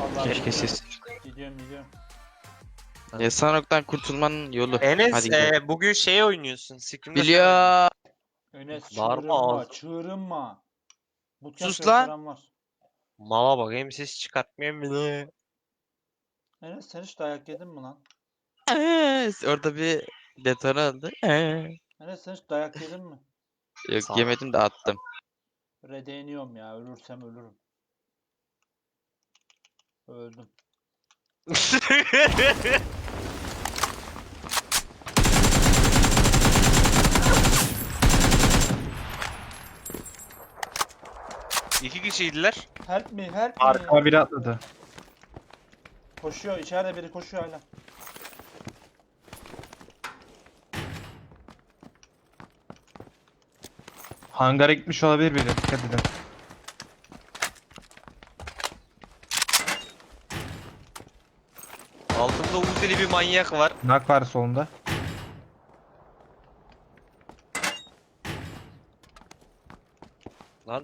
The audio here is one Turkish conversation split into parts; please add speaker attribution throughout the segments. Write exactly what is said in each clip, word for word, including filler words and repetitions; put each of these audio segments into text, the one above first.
Speaker 1: Vallahi
Speaker 2: Keşke
Speaker 1: gidiyorum.
Speaker 2: siz.
Speaker 1: Gidiyorum gidiyorum.
Speaker 2: Yasanok'tan kurtulmanın yolu.
Speaker 3: Enes
Speaker 2: Hadi gidelim.
Speaker 3: e, bugün şey oynuyorsun. Scrim'de sen oynuyorsun.
Speaker 2: Biliyor.
Speaker 1: Enes
Speaker 3: Bağırma
Speaker 1: çığırınma,
Speaker 3: ağzı.
Speaker 1: çığırınma. Bootcamp
Speaker 2: Sus lan.
Speaker 1: gösteren var.
Speaker 3: Mala bak hem ses çıkartmıyor bile.
Speaker 1: Enes sen hiç dayak yedin mi lan?
Speaker 2: Eee, Orada bir detone oldu. Eee.
Speaker 1: Enes sen hiç dayak yedin mi?
Speaker 2: Yok
Speaker 3: Sağ ol.
Speaker 2: yemedim de attım.
Speaker 1: Redeniyorum ya, ölürsem ölürüm. Öldüm.
Speaker 3: İki kişiydiler.
Speaker 1: Help me, help me.
Speaker 4: Arkama biri atladı.
Speaker 1: Koşuyor, içeride biri koşuyor hala.
Speaker 4: Hangara gitmiş olabilir biri. Dikkat edin.
Speaker 3: Altımda Uzeli bir manyak var.
Speaker 4: Nak var solunda.
Speaker 3: Lan.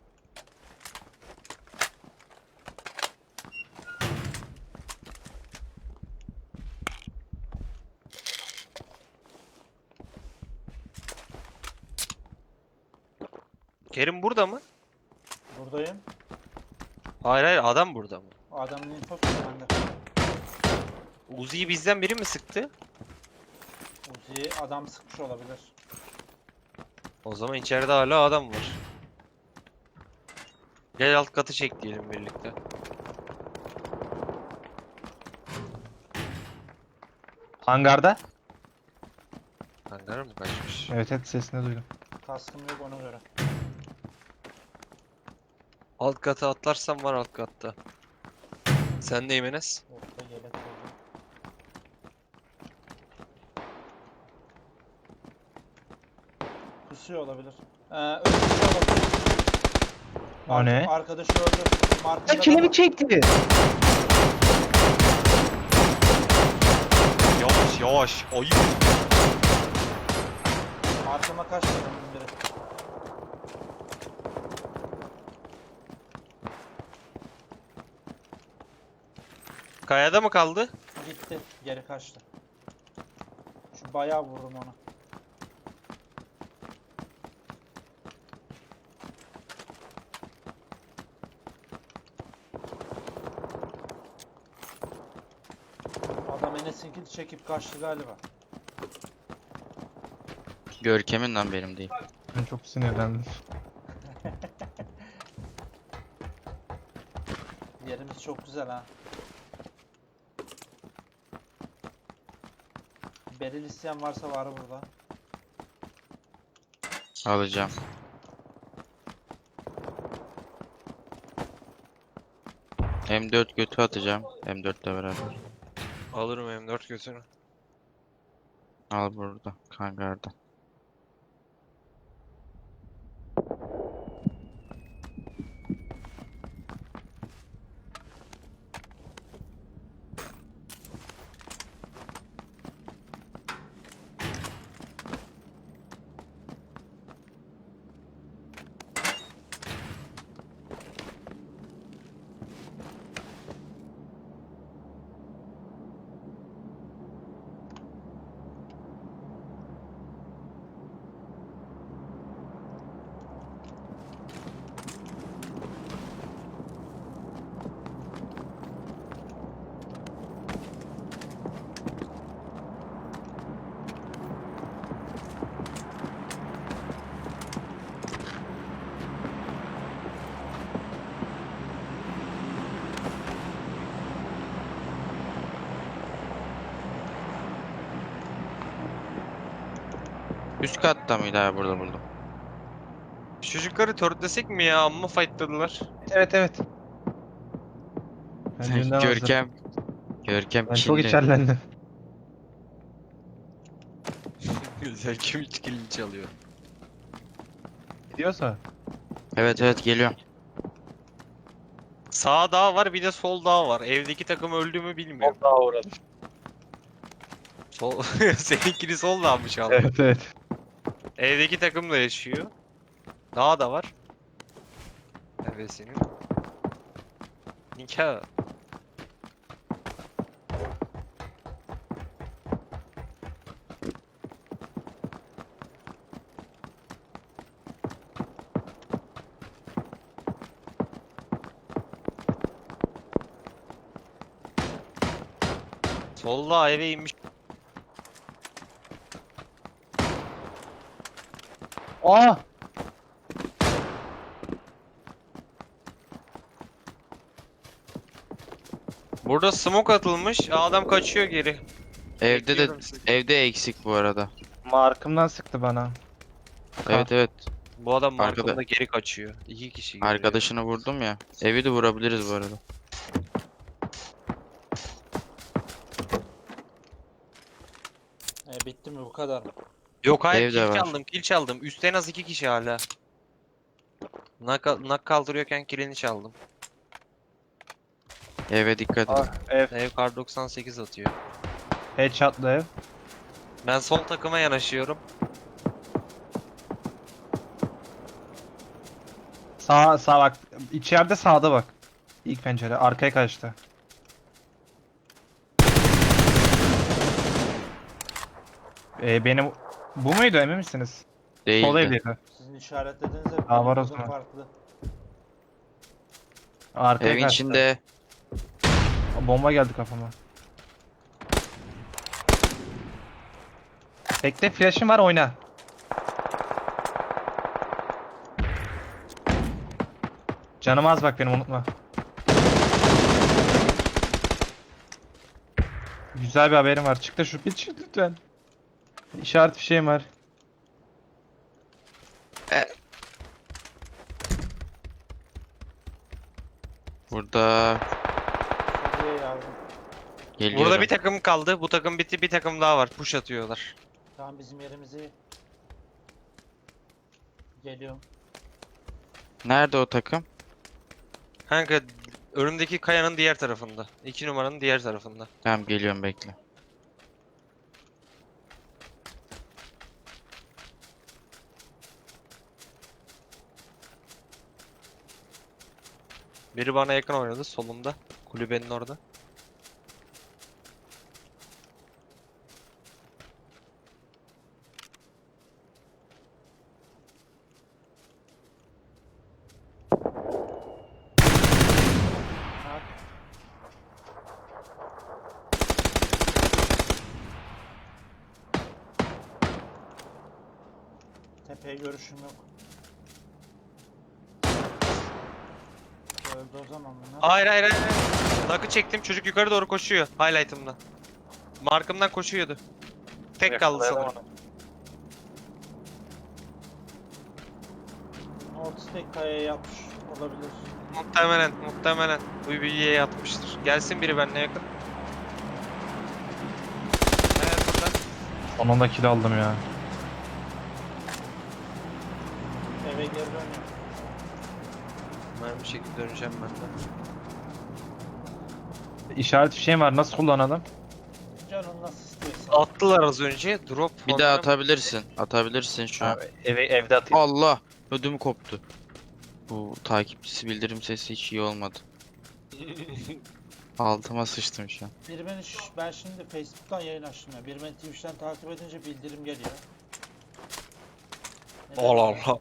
Speaker 3: Kerim burada mı?
Speaker 1: Buradayım.
Speaker 3: Hayır hayır adam burada mı?
Speaker 1: Adamın infosu bende.
Speaker 3: Uzi'yi bizden biri mi sıktı?
Speaker 1: Uzi'yi adam sıkmış olabilir.
Speaker 3: O zaman içeride hala adam var. Gel alt katı çek diyelim birlikte.
Speaker 4: Hangarda.
Speaker 3: Hangara mı kaçmış?
Speaker 4: Evet evet sesini duydum.
Speaker 1: Kaskım yok ona göre.
Speaker 3: Alt kata atlarsam var alt katta. Sen neyim Enes?
Speaker 1: Orta yelek oldu. Kusuyor olabilir. Ee, ölmüş olabilir.
Speaker 4: O ne?
Speaker 1: Arkadaşı öldü. Markında
Speaker 4: Kilimi çekti.
Speaker 3: Yavaş yavaş. Ayıp.
Speaker 1: Arkama kaçtı önüm biri.
Speaker 3: Kayada mı kaldı?
Speaker 1: Gitti. Geri kaçtı. Şu bayağı vururum ona. Adam Enes'inkini çekip kaçtı galiba.
Speaker 2: Görkem'in lan benim değil.
Speaker 4: Ben çok sinirlendim.
Speaker 1: Yerimiz çok güzel ha. Beril isteyen varsa var burada.
Speaker 2: Alacağım. M dört götü atacağım. M dört ile beraber.
Speaker 3: Alırım M dört götünü.
Speaker 2: Al burada. Hangarda. Üst katta mıydı abi, burada buldum.
Speaker 3: Şu çocukları törtlesek mi ya? Amma fightladılar.
Speaker 4: Evet evet. Ben dünden hazır.
Speaker 2: Görkem. Görkem
Speaker 4: Ben çok
Speaker 2: Çinli.
Speaker 4: içerlendim.
Speaker 3: Güzel kim içkilini çalıyor.
Speaker 4: Gidiyorsa.
Speaker 2: Evet evet geliyorum.
Speaker 3: Sağ dağ var bir de sol dağ var. Evdeki takım öldü mü bilmiyorum.
Speaker 4: Daha uğradım.
Speaker 3: Sol seninkini sol dağ mı çaldı?
Speaker 4: Evet evet.
Speaker 3: Evdeki takım da yaşıyor. Dağ da var. Evet senin. Nikah. Solda eve inmiş.
Speaker 4: Aa!
Speaker 3: Burada smoke atılmış. Adam kaçıyor geri.
Speaker 2: Evde de
Speaker 3: Bekliyorum sizi.
Speaker 2: evde eksik bu arada.
Speaker 4: Markımdan sıktı bana.
Speaker 2: Evet evet.
Speaker 3: Bu adam
Speaker 2: Arkada-
Speaker 3: markamda geri kaçıyor. İki kişi geliyor.
Speaker 2: Arkadaşını vurdum ya. Evi de vurabiliriz bu arada.
Speaker 1: E, bitti mi bu kadar mı?
Speaker 3: Yok hayır,
Speaker 2: Evde
Speaker 3: kill
Speaker 2: var.
Speaker 3: çaldım, kill çaldım. Üstte en az iki kişi hala. Nak, nak kaldırıyorken killini çaldım.
Speaker 2: Eve dikkat edin.
Speaker 4: Ah, ev.
Speaker 3: Ev kar doksan sekiz atıyor.
Speaker 4: Headshot'lı ev.
Speaker 3: Ben sol takıma yanaşıyorum.
Speaker 4: Sağ sağ bak. İçeride sağda bak. İlk pencere. Arkaya kaçtı. Ee, benim... Bu muydu emin misiniz? Sol
Speaker 2: Değildi.
Speaker 4: evdeydi.
Speaker 1: Sizin işaretlediğinizde
Speaker 4: Aa, var o
Speaker 1: benim
Speaker 4: zaman.
Speaker 1: farklı.
Speaker 4: Arkaya
Speaker 2: Evin
Speaker 4: kaçtı.
Speaker 2: içinde.
Speaker 4: Bomba geldi kafama. Bekle, flash'ım var, oyna. Canım az bak benim, unutma. Güzel bir haberim var. Çık da şu bir çık lütfen. İşaret bir şeyim var.
Speaker 2: Burada
Speaker 1: Şuraya yardım.
Speaker 2: geliyorum.
Speaker 3: Burada bir takım kaldı. Bu takım bitti, bir takım daha var. Push atıyorlar.
Speaker 1: Tamam, bizim yerimizi geliyorum.
Speaker 2: Nerede o takım?
Speaker 3: Kanka önümdeki kayanın diğer tarafında. İki numaranın diğer tarafında.
Speaker 2: Tamam geliyorum, bekle.
Speaker 3: Biri bana yakın oynadı solumda. Kulübenin orada.
Speaker 1: Ha, tepeye görüşüm yok. Öldü o zaman bunlar.
Speaker 3: Hayır hayır hayır. hayır. Nakı çektim, çocuk yukarı doğru koşuyor. Highlight'ımda. Markımdan koşuyordu. Tek kaldı sanırım.
Speaker 1: North kayaya yapmış olabilir.
Speaker 3: Muhtemelen, muhtemelen. Bu bilgiye yatmıştır. Gelsin biri benimle yakın. Evet burada.
Speaker 4: Sonunda kill aldım ya.
Speaker 1: Eve geri dönüyor.
Speaker 3: Ben bir şekilde döneceğim ben de.
Speaker 4: İşaret bir şeyim var. Nasıl kullanalım?
Speaker 1: Canın nasıl istiyorsan.
Speaker 3: Attılar az önce. Drop.
Speaker 2: Bir daha
Speaker 3: onların-
Speaker 2: atabilirsin. Atabilirsin şu an.
Speaker 4: Eve, evde atayım.
Speaker 2: Allah! Ödüm koptu. Bu takipçisi bildirim sesi hiç iyi olmadı. Altıma sıçtım şu an.
Speaker 1: Biri beni ş- ben şimdi Facebook'tan yayın açtım ya. Biri beni Twitch'ten takip edince bildirim geliyor. Neden?
Speaker 3: Allah Allah.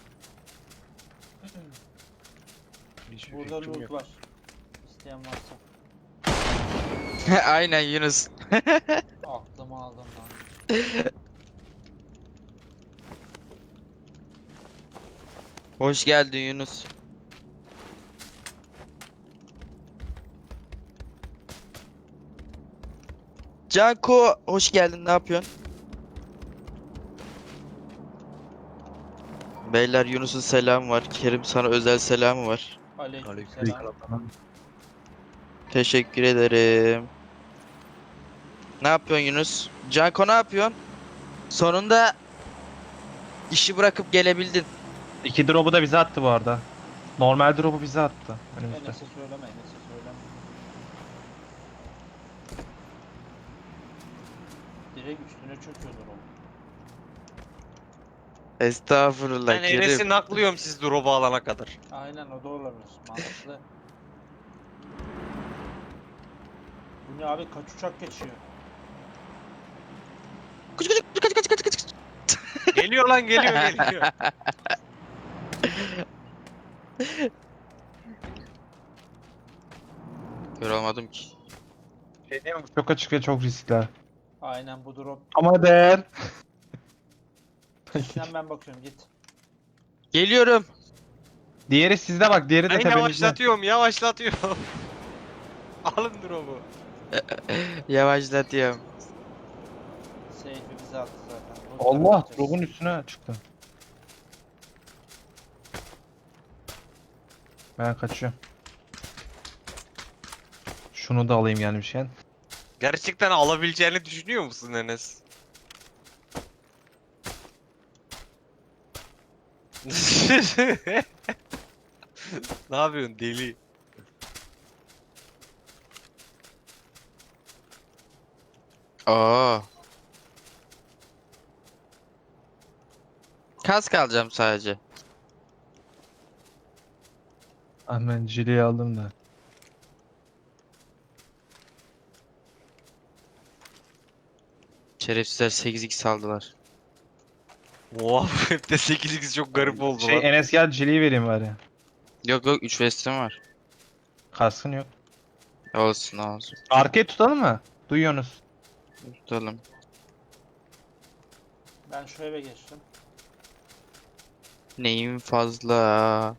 Speaker 3: Hiçbir
Speaker 1: Burada
Speaker 3: fikrim
Speaker 1: loot
Speaker 3: yok.
Speaker 1: var. İsteyen varsa.
Speaker 2: Aynen Yunus.
Speaker 1: Aklımı aldım lan.
Speaker 2: Hoş geldin Yunus. Canko hoş geldin, ne yapıyorsun? Beyler Yunus'un selamı var. Kerim sana özel selamı var.
Speaker 1: Aleykümselam.
Speaker 2: Teşekkür ederim. Ne yapıyorsun Yunus? Canko ne yapıyorsun? Sonunda işi bırakıp gelebildin.
Speaker 4: İki drop'u da bize attı bu arada. Normal drop'u bize attı. Önümüzde.
Speaker 1: Enes'e söyleme, Enes'e söyleme. Direkt üstüne çöküyordur o.
Speaker 2: Estağfurullah
Speaker 3: Ben
Speaker 2: Kerim.
Speaker 3: Enes'i naklıyorum siz drop'u alana kadar.
Speaker 1: Aynen, o da olabilir. Mantıklı. Bu ne abi, kaç uçak geçiyor?
Speaker 2: Kaç kaç kaç kaç kaç kaç kaç.
Speaker 3: Geliyor lan, geliyor geliyor.
Speaker 2: Kör olmadım ki.
Speaker 4: Şey diyeyim mi? Çok açık ve çok riskli.
Speaker 1: Aynen bu drop.
Speaker 4: Ama değer.
Speaker 1: Sen ben bakıyorum git.
Speaker 2: Geliyorum.
Speaker 4: Diğeri sizde bak. Diğeri de
Speaker 3: Ben
Speaker 4: tepenizde.
Speaker 3: yavaşlatıyorum yavaşlatıyorum. Alın drop'u.
Speaker 2: Yavaşlatıyorum.
Speaker 1: Seyfi bize attı zaten. Loot'lara
Speaker 4: Allah.
Speaker 1: bakacağız.
Speaker 4: Drop'un üstüne çıktı. Ben kaçıyorum. Şunu da alayım gelmişken.
Speaker 3: Gerçekten alabileceğini düşünüyor musun Enes? Ne yapıyorsun deli?
Speaker 2: Oo. Kask alacağım sadece.
Speaker 4: Ah ben jileyi aldım da.
Speaker 2: Şerefsizler sekiz x aldılar.
Speaker 3: Oha hep de sekiz x çok garip oldu
Speaker 4: Şey
Speaker 3: lan.
Speaker 4: Enes gel jileyi vereyim bari.
Speaker 2: Yok yok üç vestim var.
Speaker 4: Kaskın yok.
Speaker 2: Olsun olsun.
Speaker 4: Arkayı tutalım mı? Duyuyorsunuz.
Speaker 2: Tutalım.
Speaker 1: Ben şu eve geçtim.
Speaker 2: Neyim fazla.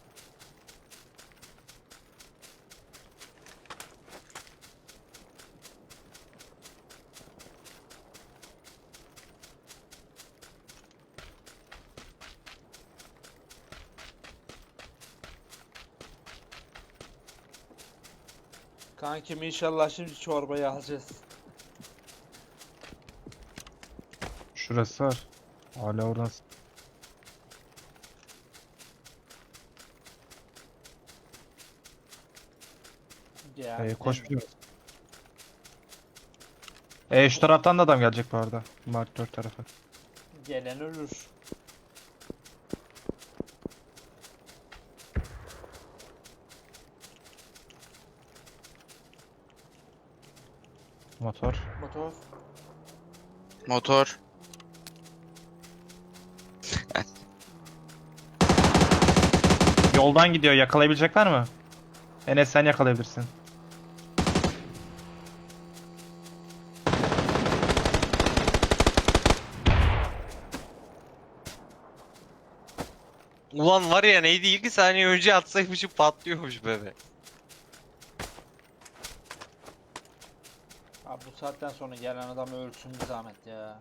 Speaker 1: Kankim inşallah şimdi çorbayı alacağız.
Speaker 4: Şurası var. Hala oradan.
Speaker 1: Ya,
Speaker 4: Ee, koş bir. Ee, şu taraftan da adam gelecek bu arada. Mark dört tarafı.
Speaker 1: gelen ölür.
Speaker 4: Motor.
Speaker 1: Motor.
Speaker 2: Motor.
Speaker 4: Yoldan gidiyor. Yakalayabilecekler mi? Enes sen yakalayabilirsin.
Speaker 3: Ulan var ya neydi iki saniye önce atsaymışım patlıyormuş bebe.
Speaker 1: Abi bu saatten sonra gelen adam ölsün bir zahmet ya.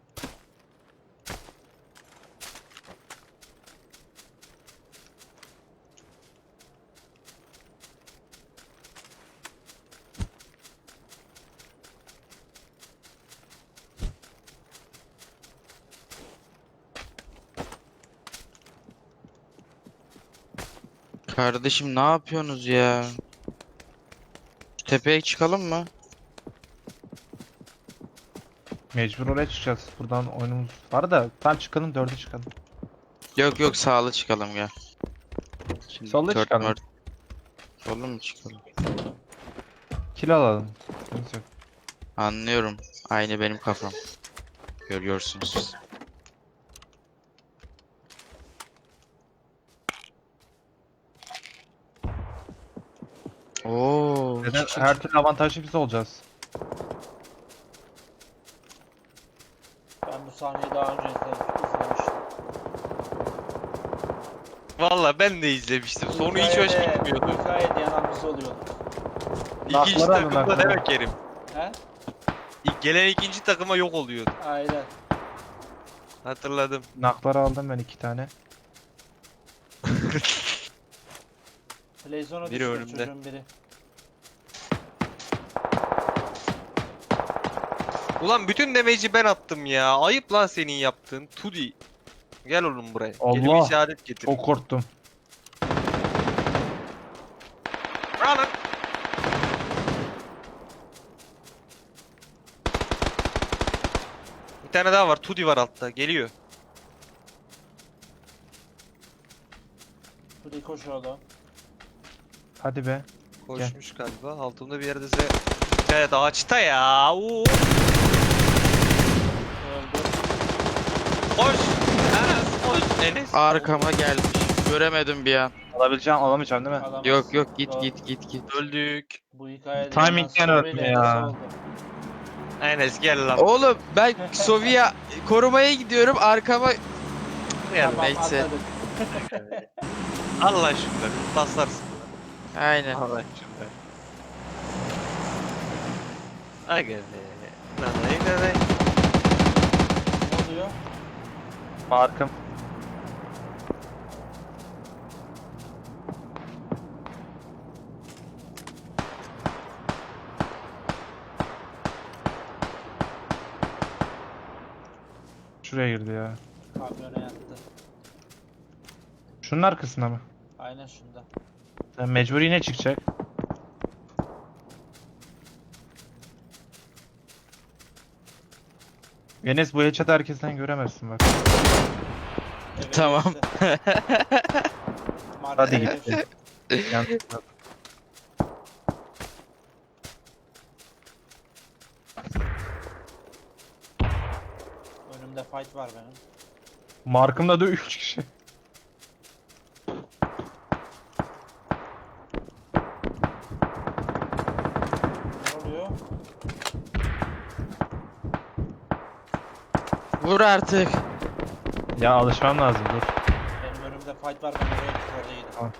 Speaker 2: Kardeşim ne yapıyorsunuz ya? Şu tepeye çıkalım mı?
Speaker 4: Mecbur oraya çıkacağız. Buradan oyunumuz var da tam çıkalım dörde çıkalım.
Speaker 2: Yok yok sağlı çıkalım ya. Şimdi
Speaker 4: Solda
Speaker 2: dört
Speaker 4: çıkalım.
Speaker 2: mört- Solda mı çıkalım?
Speaker 4: Kill alalım. Sıkıntı yok.
Speaker 2: Anlıyorum. Aynı benim kafam. Görüyorsunuz siz. Oo.
Speaker 4: Neden her türlü avantajlı biz olacağız.
Speaker 1: Ben bu sahneyi daha önce izle- izlemiştim.
Speaker 3: Valla ben de izlemiştim. Sonu hiç hoş
Speaker 1: Hikayede-
Speaker 3: gitmiyordu.
Speaker 1: Hikayede yanan biz oluyor.
Speaker 3: İkinci
Speaker 4: Nakları alın,
Speaker 3: takımda
Speaker 4: nakları.
Speaker 3: demek yerim.
Speaker 1: He?
Speaker 3: İlk gelen ikinci takıma yok oluyordu.
Speaker 1: Aynen.
Speaker 3: Hatırladım.
Speaker 4: Nakları aldım ben iki tane.
Speaker 1: Playzone'a
Speaker 3: Biri
Speaker 1: düşüyor
Speaker 3: önümde.
Speaker 1: çocuğun biri.
Speaker 3: Ulan bütün damage'i ben attım ya. Ayıp lan senin yaptığın. Tudi. Gel oğlum buraya. Gelip
Speaker 4: Allah!
Speaker 3: işaret getir.
Speaker 4: Çok korktum.
Speaker 3: Alın. Bir tane daha var. Tudi var altta. Geliyor.
Speaker 1: Burayı koşuyordu.
Speaker 4: Hadi be.
Speaker 3: Koşmuş galiba. Altımda bir yerde size... Evet ağaçta ya. Oo.
Speaker 1: Öldü.
Speaker 3: Koş. Enes koş. Enes.
Speaker 2: Arkama gelmiş. Göremedim bir an.
Speaker 4: Alabileceğim, alamayacağım değil mi?
Speaker 1: Alamaz.
Speaker 2: Yok yok git
Speaker 1: Doğru.
Speaker 2: git git git.
Speaker 3: Öldük.
Speaker 1: Bu hikayede
Speaker 4: Timing'den
Speaker 1: yalan
Speaker 4: öldüm
Speaker 1: soruyla
Speaker 4: ya.
Speaker 1: Enes oldu.
Speaker 3: Enes gel lan.
Speaker 2: Oğlum ben Sovya korumaya gidiyorum arkama
Speaker 3: Gel.
Speaker 1: Tamam
Speaker 2: neyse.
Speaker 1: anladık.
Speaker 3: Allah şunları. Baslarsın.
Speaker 2: aynen.
Speaker 3: Allah şunları. Aga be. Nanay nanay.
Speaker 1: Ne oluyor?
Speaker 4: Markım. Şuraya girdi ya.
Speaker 1: Kamyona yattı.
Speaker 4: Şunun arkasında mı?
Speaker 1: Aynen şunda.
Speaker 4: Yani mecbur yine çıkacak. Enes bu headshot'ı herkesten göremezsin bak.
Speaker 1: Eve
Speaker 2: Tamam.
Speaker 1: geçti. Markete
Speaker 4: Hadi
Speaker 1: geçti.
Speaker 4: gitti. Yan-
Speaker 1: Önümde fight var benim.
Speaker 4: Markımda da üç kişi.
Speaker 1: Ne oluyor?
Speaker 2: Vur artık.
Speaker 4: Ya alışmam lazım dur.
Speaker 1: Benim önümde fight var ben oraya git orada yedim.
Speaker 4: Tamam.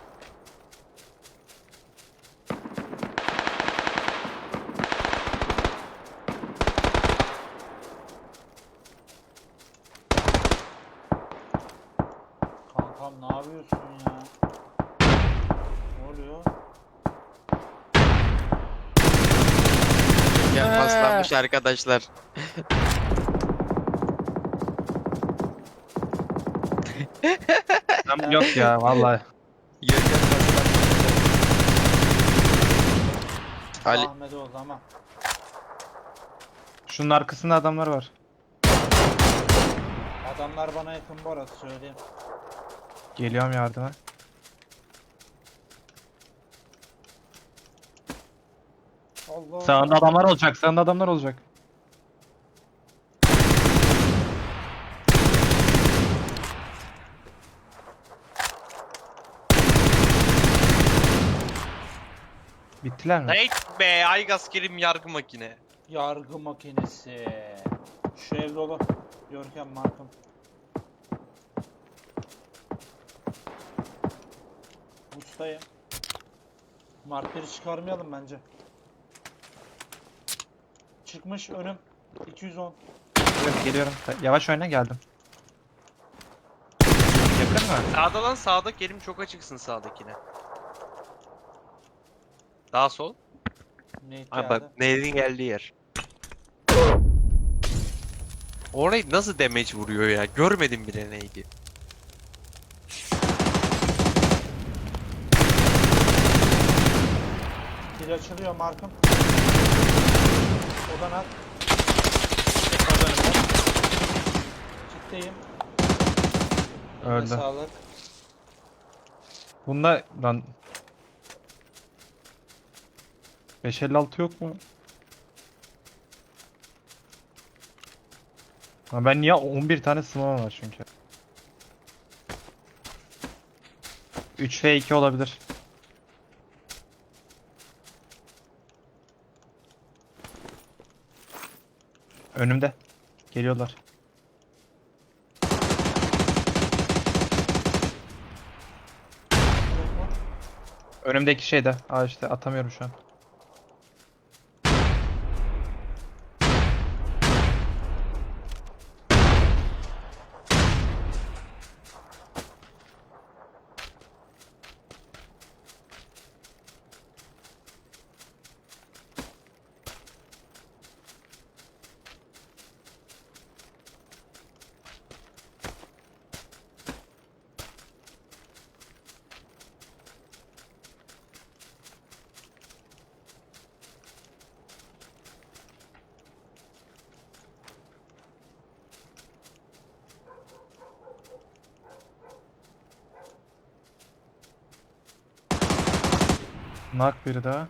Speaker 1: Kankam ne yapıyorsun ya? Ne oluyor?
Speaker 2: Ya paslanmış arkadaşlar.
Speaker 4: Tamam, yok ya vallahi.
Speaker 2: Görkem paslanmış. Ali
Speaker 1: Ahmet oldu ama.
Speaker 4: Şunun arkasında adamlar var.
Speaker 1: Adamlar bana yakın bu arada söyleyeyim.
Speaker 4: Geliyorum yardıma.
Speaker 1: Allah.
Speaker 4: Sağında adamlar olacak, sağında adamlar olacak. Bittiler mi?
Speaker 3: Ney be Aygaz Kerim yargı makine.
Speaker 1: Yargı makinesi. Şu ev dolu. Görkem markım. Ustayım. Markeri çıkarmayalım bence. Çıkmış önüm. iki yüz on.
Speaker 4: Geliyorum, geliyorum. Yavaş oyna geldim. Yakın mı?
Speaker 3: Sağda lan sağda Kerim çok açıksın sağdakine. Daha sol.
Speaker 1: Ne
Speaker 3: Ha
Speaker 1: geldi?
Speaker 3: bak Nehir'in geldiği yer. Orayı nasıl damage vuruyor ya? Görmedim bile neydi.
Speaker 1: Bir açılıyor markım. Odan at. Ciddiyim. Eline
Speaker 4: Öldü.
Speaker 1: sağlık.
Speaker 4: Bunda lan beş elli altı yok mu? Ha ben niye on bir tane smoke var çünkü. üç ve iki olabilir. Önümde. Geliyorlar. Önümdeki şeyde. Aa işte atamıyorum şu an. Knock biri daha.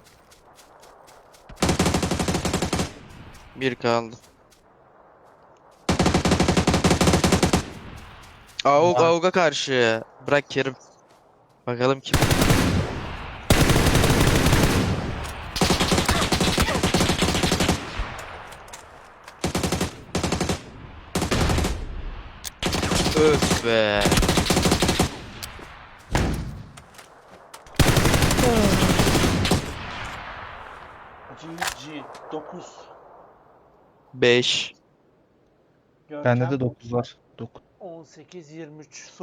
Speaker 2: bir kaldı. Avuk
Speaker 4: Var.
Speaker 2: avuga karşı. Bırak Kerim. Bakalım kim? Öf be.
Speaker 1: G G dokuz.
Speaker 2: beş.
Speaker 4: Bende de dokuz var. dokuz.
Speaker 1: on sekiz yirmi üç.